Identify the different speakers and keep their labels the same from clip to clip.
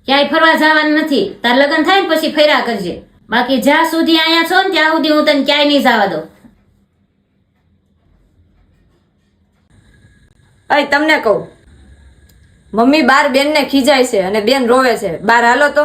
Speaker 1: ક્યાંય ફરવા જવાનું નથી. તાર લગ્ન થાય ને પછી ફર્યા કરજે. બાકી જ્યાં સુધી અહીંયા છો ને ત્યાં સુધી હું તને ક્યાંય નહીં જવા દઉં.
Speaker 2: અય તમને કહું, મમ્મી બાર બેનને ખીજાય છે અને બેન રોવે છે. બાર હાલો તો.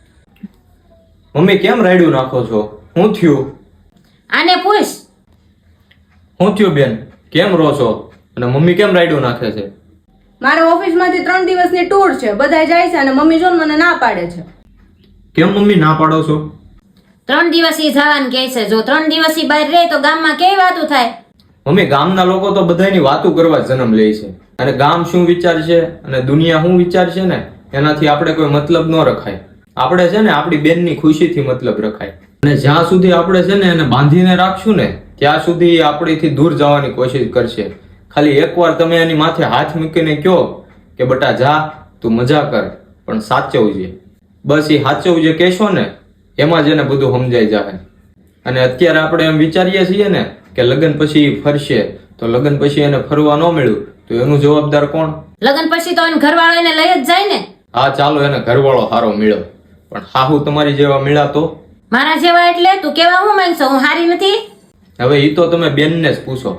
Speaker 3: મમ્મી કેમ રાયડું નાખો છો? શું થયું?
Speaker 1: આને પૂછ.
Speaker 3: શું થયું બેન? કેમ રો છો? અને મમ્મી કેમ રાયડું નાખે છે?
Speaker 2: મારે ઓફિસમાંથી 3 દિવસની ટૂર છે, બધા જાય છે અને મમ્મી જો મને ના પાડે છે.
Speaker 3: કેમ મમ્મી ના પાડો છો?
Speaker 1: 3 દિવસી જવાનું કહે છે. જો 3 દિવસી બહાર રહે તો ગામમાં કેવી વાતું થાય?
Speaker 3: મમ્મી ગામના લોકો તો બધાની વાતો કરવા જન્મ લે છે, અને ગામ શું વિચારશે અને દુનિયા શું વિચારશે ને એનાથી આપણે કોઈ મતલબ ન રખાય. આપણે છે ને આપણી બેનની ખુશીથી મતલબ રખાય. અને જ્યાં સુધી આપણે છે ને એને બાંધીને રાખશું ને ત્યાં સુધી એ આપણીથી દૂર જવાની કોશિશ કરશે. ખાલી એકવાર તમે એની માથે હાથ મૂકીને કહો કે બટા જા, તું મજા કર, પણ સાચવજે. બસ એ સાચવજે કહેશો ને એમાં જ એને બધું સમજાઈ જાય. અને અત્યારે આપણે એમ વિચારીએ છીએ ને કે લગ્ન પછી ફરશે, તો લગ્ન પછી એને ફરવા ન મળ્યું તો એનું જવાબદાર કોણ?
Speaker 1: લગ્ન પછી તો એને ઘરવાળો એને લઈ જ જાય ને.
Speaker 3: હા ચાલો એને ઘરવાળો સારો મળ્યો, પણ હાહુ તમારી જેવા મળ્યા તો?
Speaker 1: મારા જેવા એટલે તું કેવા હું માંગશો? હું હારી નથી?
Speaker 3: હવે એ તો તમે બેનને જ પૂછો.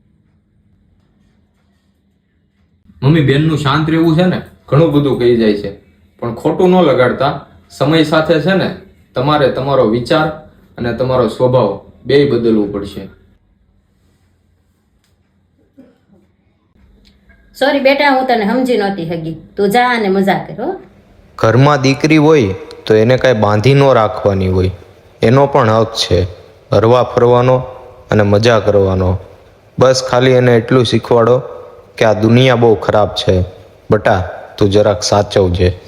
Speaker 3: મમ્મી બેનનું શાંત રહેવું છે ને ઘણું બધું કહી જાય છે, પણ ખોટું ન લગાડતા. સમય સાથે છે ને તમારે તમારો વિચાર અને તમારો સ્વભાવ બેય બદલવું પડશે.
Speaker 1: સોરી બેટા, હું તને સમજી નહોતી હગી. તું જા અને મજા કર હો.
Speaker 4: ઘરમાં દીકરી હોય તો એને કાંઈ બાંધી ન રાખવાની હોય. એનો પણ હક છે હરવા ફરવાનો અને મજા કરવાનો. બસ ખાલી એને એટલું શીખવાડો કે આ દુનિયા બહુ ખરાબ છે. બટા તું જરાક સાચવજે.